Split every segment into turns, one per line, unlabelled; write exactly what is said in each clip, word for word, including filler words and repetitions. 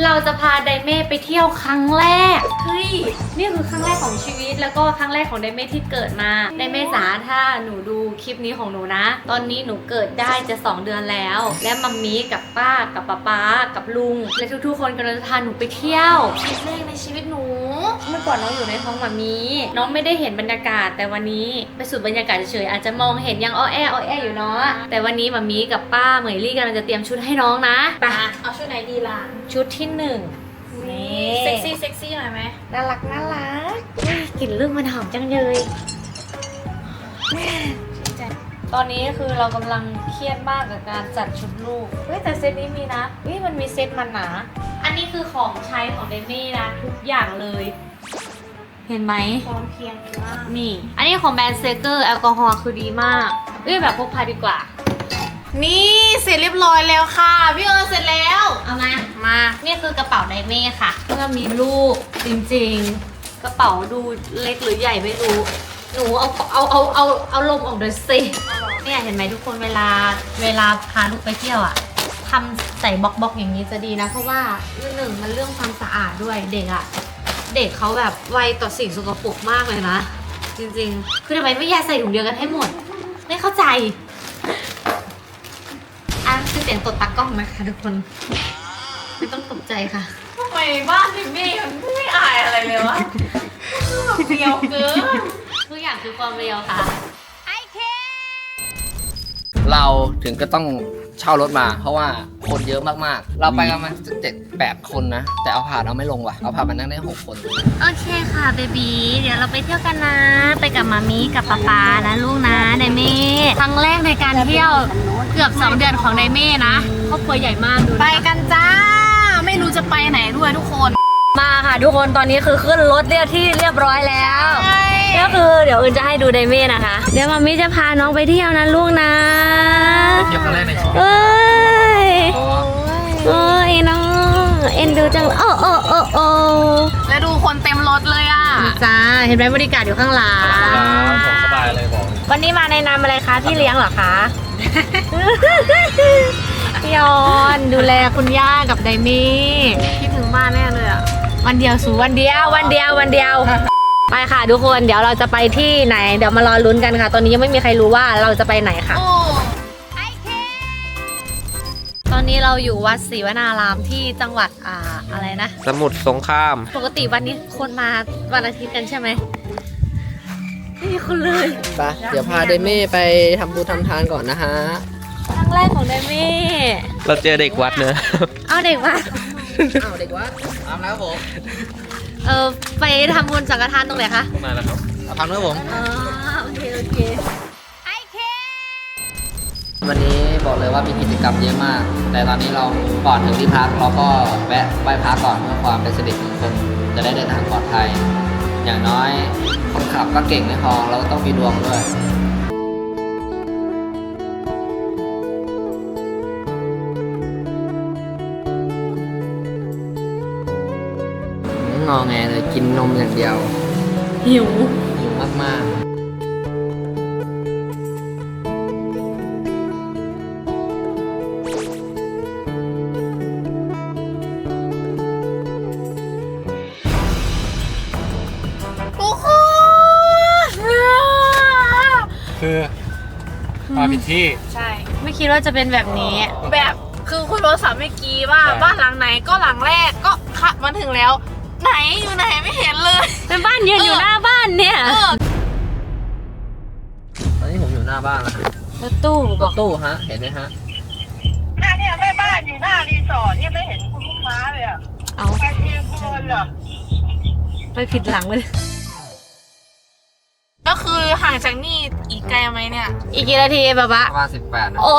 เราจะพาไดเม่ไปเที่ยวครั้งแรกเฮ้ยนี่คือครั้งแรกของชีวิตแล้วก็ครั้งแรกของไดเม่ที่เกิดมาไดเม่จ๋าถ้าหนูดูคลิปนี้ของหนูนะตอนนี้หนูเกิดได้จะสองเดือนแล้วและมัมมี่กับป้ากับป๊าป๊ากับลุงและทุกๆคนกำลังจะพาหนูไปเที่ยวครั้งแรกในชีวิตหนูเมื่อก่อนน้องอยู่ในท้องมัมมี่น้องไม่ได้เห็นบรรยากาศแต่วันนี้ไปสูดบรรยากาศเฉยๆอาจจะมองเห็นยังอ้อแอ้ออแออยู่เนาะแต่วันนี้มัมมี่กับป้าเหมยลี่กำลังจะเตรียมชุดให้น้องนะไป
เอาชุดไหนดีล่ะ
ชุดที่หนึ่งนี่
เซ็กซี่เซ็กซี่หน่อยไหม
น่ารักน่ารักกลิ่นเรื่องมันหอมจังเลยตอนนี้คือเรากำลังเครียดมากกับการจัดชุดลูกเฮ้ยแต่เซตนี้มีนะเฮ้ยมันมีเซตมันหนาอันนี้คือของใช้ของเดมี่นะทุกอย่างเลยเห็นไหม
พร้อมเพียงมาก
นี่อันนี้ของแบรนด์เซเกอร์แอลกอฮอล์คือดีมากเฮ้ยแบบพกพาดีกว่า
นี่เสร็จเรียบร้อยแล้วค่ะพี่เอิญเสร็จแล้ว
เอามา
มา
นี่คือกระเป๋าไดเม่ค่ะเพื่อมีลูกจริงๆกระเป๋าดูเล็กหรือใหญ่ไม่รู้หนูเอาเอาเอาเอาเอาลมออกเดี๋ยวสิเนี่ยเห็นไหมทุกคนเวลาเวลาพาลูกไปเที่ยวอ่ะทำใส่บล็อกบล็อกอย่างนี้จะดีนะเพราะว่าหนึ่งมันเรื่องความสะอาดด้วยเด็กอ่ะเด็กเขาแบบไวต่อสิ่งสกปรกมากเลยนะจริงๆคือทำไมไม่แยกใส่ถุงเดียวกันให้หมดไม่เข้าใจอ่ะคือเสียงตดตากล้องนะคะทุกคนไม่ต้องตกใจค่ะ
ทำไมบ้านพี่เมย์มันไม่อายอะไรเลยวะเรียวเกิน
ทุกอย่างคือความเรียวค่ะไอเค
เราถึงก็ต้องเช่ารถมาเพราะว่าคนเยอะมากๆเราไปกันมาเจ็ดแปดคนนะแต่เอาผ่านเอาไม่ลงว่ะเอาผ่านมานั่งได้หกคน
โอเคค่ะเบบีเดี๋ยวเราไปเที่ยวกันนะไปกับมามีกับป๊าป๊านะลูกนะไดเม่ครั้งแรกในการเที่ยวเกือบสองเดือนของไดเม่นะครอบครัวใหญ่มากดู
ไปกันจ้าไม่รู้จะไปไหนด้วยทุกคน
มาค่ะทุกคนตอนนี้คือขึ้นรถเรียบที่เรียบร้อยแล้วก็คือเดี๋ยวอื่นจะให้ดูไดเม่นะคะเดี๋ยวมามิจะพาน้องไปเที่ยวนะลูกนะ
เที่ยวครั้งแรกในชีวิต
เอ้ยโอ้ยน้องเอ็นดูจังโอ้โอ้โอ้โอ้
แล้วดูคนเต็มรถเลยอ่ะ
จ้าเห็นไหมบริการอยู่ข้างหลัง
สบายเลยบอก
วันนี้มาในนามอะไรคะพี่เลี้ยงเหรอคะพี่ยอนดูแลคุณย่ากับไดมี่
คิดถึงบ้านแน่เลยอ่ะ
วันเดียวสู่วันเดียววันเดียววันเดียวไปค่ะทุกคนเดี๋ยวเราจะไปที่ไหนเดี๋ยวมารอลุ้นกันค่ะตอนนี้ยังไม่มีใครรู้ว่าเราจะไปไหนค่ะตอนนี้เราอยู่วัดศรีวนารามที่จังหวัดอ่าอะไรนะ
สมุทรสงคราม
ปกติวันนี้คนมาวันอาทิตย์กันใช่ไหมไม่มีคนเลย
ไปเดี๋ยวพาเดเม่ไปทำบุญทำทานก่อนนะฮะ
ครั้งแรกของไดเม่
เราเจอเด็กวัดเนอะ
เอาเด็กวัด
เอาเด็กวัดตามแล้วผม
เออไปทำบุญสังฆทานตรงไหนคะ
มาแล้วครับทำด้วยผม
อ๋อโอเคโอเคไอเค
วันนี้บอกเลยว่ามีกิจกรรมเยอะมากแต่ตอนนี้เราก่อนถึงที่พักเราก็แวะไหว้พระก่อนเพื่อความเป็นสิริมงคลจะได้เดินทางปลอดภัยอย่างน้อยคนขับก็เก่งไม่พอเราต้องมีดวงด้วยงอแงเลยกินนมอย่างเดียว
หิว
หิวมากๆ
คือมาผิดที่
ใช่
ไม่คิดว่าจะเป็นแบบนี้
แบบคือคุณโรสามเมื่อกี้ว่าบ้านหลังไหนก็หลังแรกก็ขับมาถึงแล้วไหนอยู่ไหนไม่เห็นเลย
เป็นบ้านยืนอยู่หน้าบ้านเนี่ย
ตอนนี้ผมอยู่หน้าบ้านแล้ว
รถตู้
รถตู้ฮะเห็นไหมฮะ
เนี่ยแม่บ้านอยู่หน้ารีสอร์ทเนี่ยไม่เห็นคุณลูกค้าเลยอ่ะ
เอา
ไปเที่ยวคนเหรอ
ไปผิดหลังเลย
ก็คือห่างจากนี่อีกไกลไหมเนี่ย
อีกกี่นาทีแบบว่า
ประมาณสิบแปดนะ
โอ้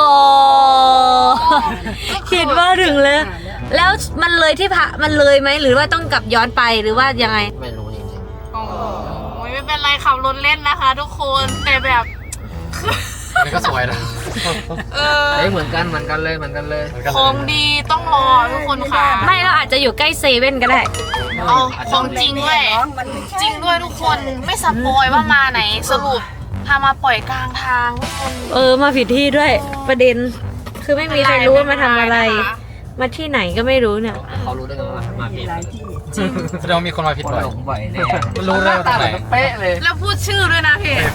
คิดว่าถึงเลยแล้วมันเลยที่พระมันเลยไหมหรือว่าต้องกลับย้อนไปหรือว่ายังไง
ไม่รู้จริงๆ
โอ้ยไม่เป็นไรขับรถเล่นนะคะทุกคนแต่แบบ
นี่ก็สวยนะเออเหมือนกันเหมือนกันเลยเหมือนกันเลย
ของดีต้องรอทุกคนค่ะ
ไม่เราอาจจะอยู่ใกล้เซเว่นก็ได้
เอาของจริงด้วยจริงด้วยทุกคนไม่สปอยว่ามาไหนสรุปพามาปล่อยกลางทางทุกคน
เออมาผิดที่ด้วยประเด็นคือไม่มีใครรู้ว่ามาทำอะไรมาที่ไหนก็ไม่รู้เนี่ย
เขารู้ได้ไงว่ามาผิด
แสดงว่ามีคนมาผิดบ่อย
หลงบ่อยแน่
มันรู้ได้ว่าตรงไหน
เป๊ะเลย
แล้วพูดชื่อด้วยนะพี่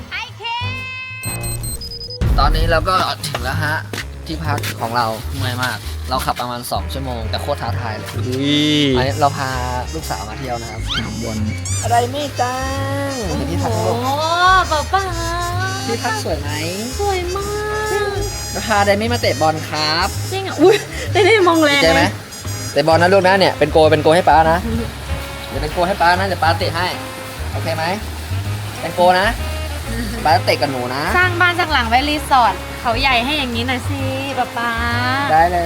ตอนนี้เราก็ถึงแล้วฮะที่พักของเราเมื่อยมาก เราขับประมาณสองชั่วโมงแต่โคตรท้าทายเลยอันนี้เราพาลูกสาวมาเที่ยวนะครับบนอะไรไม่จังเป็นที่พัก
โอ้
ลูก
ป้าป้า
ที่พักสวยไหม
สวยมาก
เราพาไดมี่มาเตะบอลครับ
จริงอ่ะอุ้ยได้ได้มองแร
ดี
ง
ใจไหม
เลย
เตะบอลนะลูกนะเนี่ยเป็นโกเป็นโกให้ป้านะเดี๋ยวเป็นโกให้ป้านะเดี๋ยวป้าเตะให้โอเคไหมเป็นโกนะป้าเตะกับหนูนะ
สร้างบ้านจากหลังไว้รีสอร์ทเขาใหญ่ให้อย่างนี้หน่อยสิป้าป้า
ได้เลย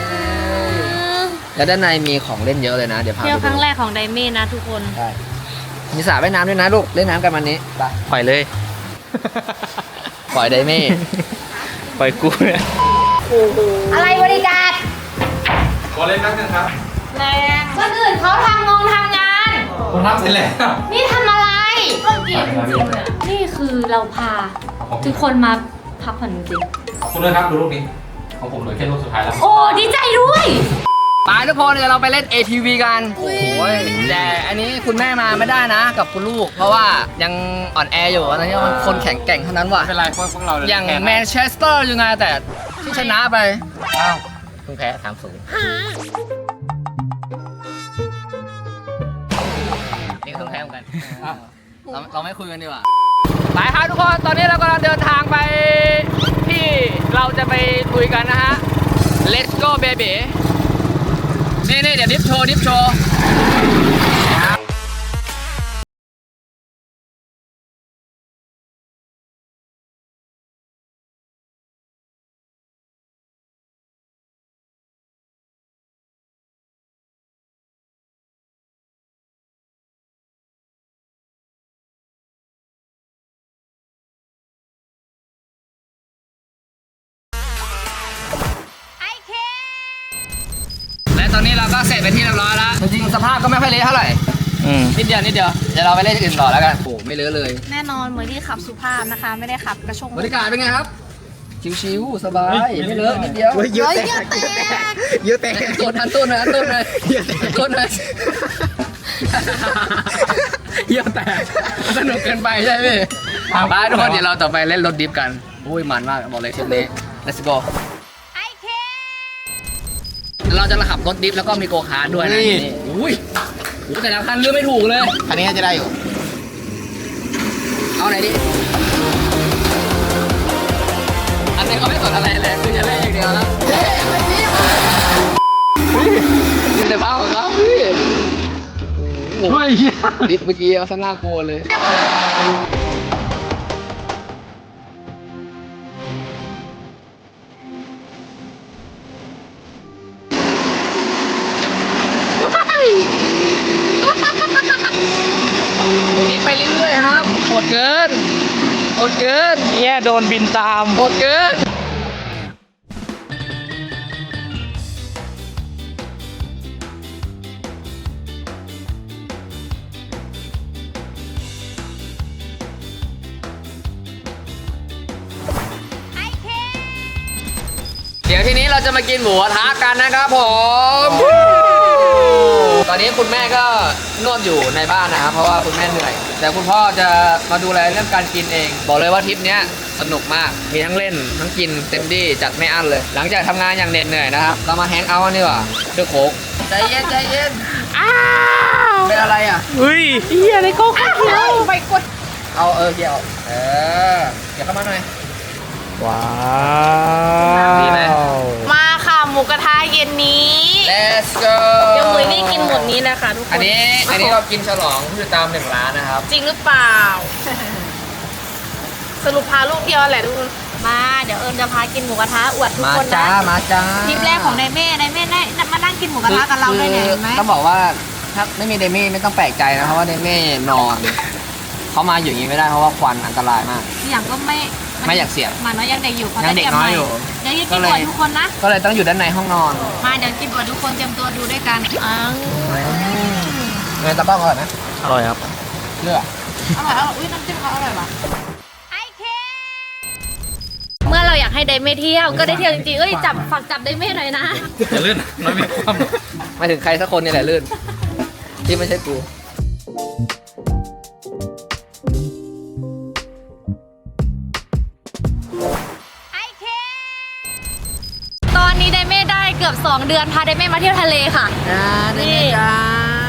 แล้วด้านในมีของเล่นเยอะเลยนะเดี๋ยวพาไป
เที่ยวครั้ง
ดู
แรกของไดเม่นะทุกคน
ได้มีสระว่ายน้ำด้วยนะลูกเล่นน้ำกันวันนี้ไปปล่อยเลย ปล่อยไดเม่
ปล่อยกูเนี่ย
อะไรบริการ
ขอเล่นนักนึงครับ
แรงคนอื่นเขาทำงงทำงาน
ผมทำเสร็จแล้ว
นี่ทำอะไรเล่นเกมจริงๆเลยนี่คือเราพาทุกคนมาพักผ่อนจริง
ขอบคุณด้วยครับดูรูปนี้ของผมเหลือแค่รูปสุดท้ายแล้ว
ๆโอ้ดีใจด้วย
ไปทุกคนเดี๋ยวเราไปเล่น เอ ที วี กันโอ้ยแต่อันนี้คุณแม่มาไม่ได้นะกับคุณลูก เพราะว่ายังอ่อนแออยู่อันนี้มันคนแข็งแกร่งเท่านั้นว่ะ
ไม่เป็นไรพวกพวกเรา
อย่างแมนเชสเตอร์ยูไนเต็ดที่ชนะไปอ้าวเพิ่งแพ้สามศูนย์นี่ก็เพิ่งแพ้เหมือนกันเราเราไม่คุยกันดีกว่าไปครับทุกคนตอนนี้เรากำลังเดินทางไปที่เราจะไปลุยกันนะฮะ Let's go baby นี่นี่เดี๋ยวดิฟโชว์ดิฟโชว์และตอนนี้เราก็เสร็จเป็นที่เรียบร้อยแล้วจริงๆสภาพก็ไม่ค่อยเละเท่าไหร่นิดเดียวนิดเดียวเดี๋ยวเราไปเล่นอื่นต่อแล้วกันโอ้ไม่เลอะเลย
แน่นอนเหมือนที่ขับสุภาพนะคะ ไม่ได้ขับกระชง
บรรยากาศเป็นไงครับ ชิวๆสบายไม่เลอะนิดเดียว
เยอะแยะแตก
เยอะแต่ต้นทันต้นนะต้นเลยต้นเลยเยอะแต่สนุกเกินไปใช่ไหมไปทุกคนเดี๋ยวเราต่อไปเล่นรถดิฟกันอุ้ยมันมากบอกเลยทริปนี้ let's go เราจะขับรถดิฟแล้วก็มีโกคาร์ทด้วยนะนี่อุ้ยโอ้แต่ละคันเลือกไม่ถูกเลยคันนี้จะได้อยู่เอาไหนดิอันนี้เขาไม่สนอะไรเลยคือจะเล่นอย่างเดียวแล้วเฮ้ยอะไรนี่นี่แต่บ้าของเขาพี่โอ้ยดิฟเมื่อกี้เอาซะน่ากลัวเลยไปเรื่อยๆครับโหดเกินโหดเกิน
เนี่ยโดนบินตาม
โหดเกินเดี๋ยวทีนี้เราจะมากินหมูกระทะกันนะครับผมตอนนี้คุณแม่ก็นวดอยู่ในบ้านนะครับเพราะว่าคุณแม่เหนื่อยแต่คุณพ่อจะมาดูแลเรื่องการกินเอง บอกเลยว่าทริปเนี้ยสนุกมากมีทั้งเล่นทั้งกินเต็มที่จัดไม่อั้นเลย หลังจากทำงานอย่างเหน็ดเหนื่อยนะครับเรามาแฮงเอาท์กันดีกว่าด้วยโค้กใจเย็นใจเย็นอ้าวเป็นอะไรอ่ะ
เฮ้ยเฮียอะไรก็
ไปกด
เอาเออเกี่ยวเออเกี่ยวเข้ามาหน่อย
ว้า
ดีไหม
มาค่ะหมูกระทะเย็นนี้
let's go
เดี๋ยวมือนี่กินหมดนี้นะคะทุกคน
อันนี้อันนี้เรากินฉลองผู้ติดตามหนึ่งล้านนะครับ
จริงหรือเปล่า สรุปพาลูกเดียวแหละทุกคน
มาเดี๋ยวเอิญจะพากินหมูกระทะอวดทุก
มา
คน
จ้า
นะ
มาจ้า
ทริปแรกของไดเม่ไดเม่ได้มานั่งกินหมูกระทะกับเราได้เนี่ยเห็นไหม
ต้องบอกว่าถ้าไม่มีเดมี่ไม่ต้องแปลกใจนะเพราะว่าเดมี่นอนเขามาอยู่อย่างนี้ไม่ได้เพราะว่าควันอันตรายมาก
อย่างก็ไม่
ไม่อยากเสี่ยง
หมาน้อยยังเด็กอยู่เขา
ยังเด็กน้อยอยู่
เดี๋ยวจะกินอวดทุกคนนะ
ก็เลยต้องอยู่ด้านในห้องนอน
มาเดี๋ยวกินอวดทุกคนเตรียมตัวดูด้วยกันอ้าว
เงินตะบ้องอร่อยไหม
อร่อยครับ
เลือก
อร่อยอร่อยอุ้ยน้ำจิ้มเขาอร่อยว่ะเมื่อเรายวอยากให้ไดเม่เที่ยวก็ได้เที่ยวจริงๆเอ้ยจับฝากจับไดเม่หน่อยนะ
อย่าลื่นน้อยมีความ
หมายถึงใครสักคนนี่แหละลื่น ที่ไม่ใช่กู
ตอนนี้ไดเม่ได้เกือบสองเดือนพาไดเม่มาเที่ยวทะเลค่ะ
อ่าได้ไหมจ๊ะ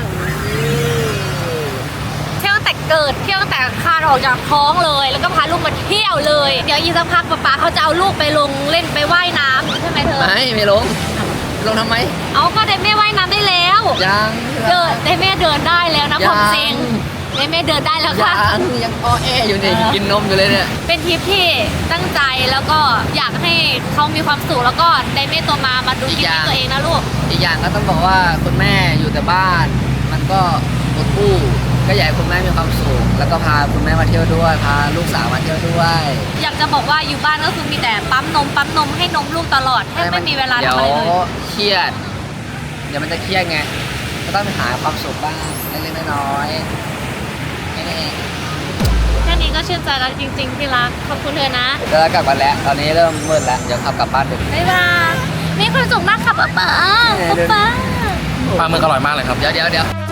เที่ยวตั้งแต่เกิดเที่ยวตั้งแต่คลานออกจากท้องเลย แล้วก็พาลูกมาเที่ยวเลย เดี๋ยวอีกสักพักป๊าป๊าเขาจะเอาลูกไปลงเล่นไปว่ายน้ำใช่ไหมเธอ
ไม่ไม่ลง ลงทำไม
เอาก็ไดเม่ว่ายน้ำได้แล้ว
ยัง
เดินไดเม่เดินได้แล้วนะ
ยัง
ความจริงไดเม่เดินได้แล้วค่ะ
ยังยังอ้อแออยู่เนี่ยกินนมอยู่เลยเนี่ย
เป็นทริปที่ตั้งใจแล้วก็อยากให้เขามีความสุขแล้วก็ไดเม่ตัวมามาดูคลิปนี้ตัวเองนะลูก
อีกอย่างก็ต้องบอกว่าคุณแม่อยู่แต่บ้าน มันก็อดอู้ก็อยากให้คุณแม่มีความสุขแล้วก็พาคุณแม่มาเที่ยวด้วยพาลูกสาวมาเที่ยวด้วย
อยากจะบอกว่าอยู่บ้านก็คือมีแต่ปั๊มนมปั๊มนมให้นมลูกตลอดแทบไม่มีเวลา
เดี๋ย
ทำ
ว
อะไรเลย
เครียด เดี๋ยวมันจะเครียดไงก็ต้องไปหาความสุขบ้างเล็กๆน้อยๆแค่นี้เอง
แค่นี้ก็ชื่นใจแล้วจริงๆที่รักขอบคุณเธอนะ
เดี๋ยวเรากลับมาแล้ว ตอนนี้เริ่มมืดแล้ว เดี๋ยวขับกลับบ้านดึก
บ๊ายบายมีความสุขมากค่ะป๊าป๊าป๊าป๊า
ปลาหมึกอร่อยมากเลยครับ
เดี๋ยวเดี๋ยวเดี๋ยว